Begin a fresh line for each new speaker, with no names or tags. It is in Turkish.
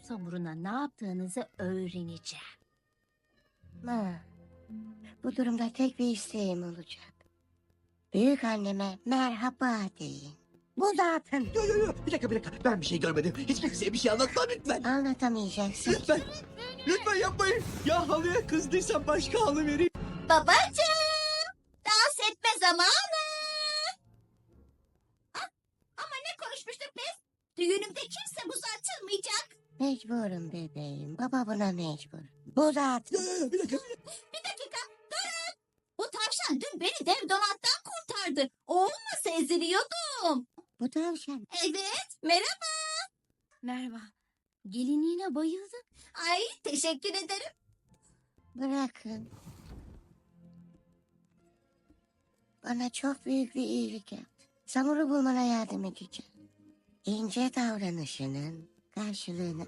samuruna ne yaptığınızı öğreneceğim.
Ha, bu durumda tek bir isteğim olacak. Büyük anneme merhaba deyin. Bu zaten
Yo. Bir dakika. Ben bir şey görmedim. Hiç kimseye bir şey anlatma lütfen.
anlatamayacaksın.
Lütfen. Lütfen yapmayın. Ya halıya kızdıysam başka halı vereyim.
Babacığım, dans etme zamanı. Ah, ama ne konuşmuştuk biz? Düğünümde kimse buz atılmayacak.
Mecburum bebeğim. Baba buna mecbur. Bu zaten.
Bir dakika.
Bir dakika, durun. Bu tavşan dün beni dev dolaptan kurtardı. O olmasa eziliyordum.
Bu tavşan.
Evet, merhaba.
Merhaba. Gelinliğine bayıldım.
Ay, teşekkür ederim.
Bırakın. Bana çok büyük bir iyilik yaptı. Samur'u bulmana yardım edeceğim. İnce davranışının karşılığını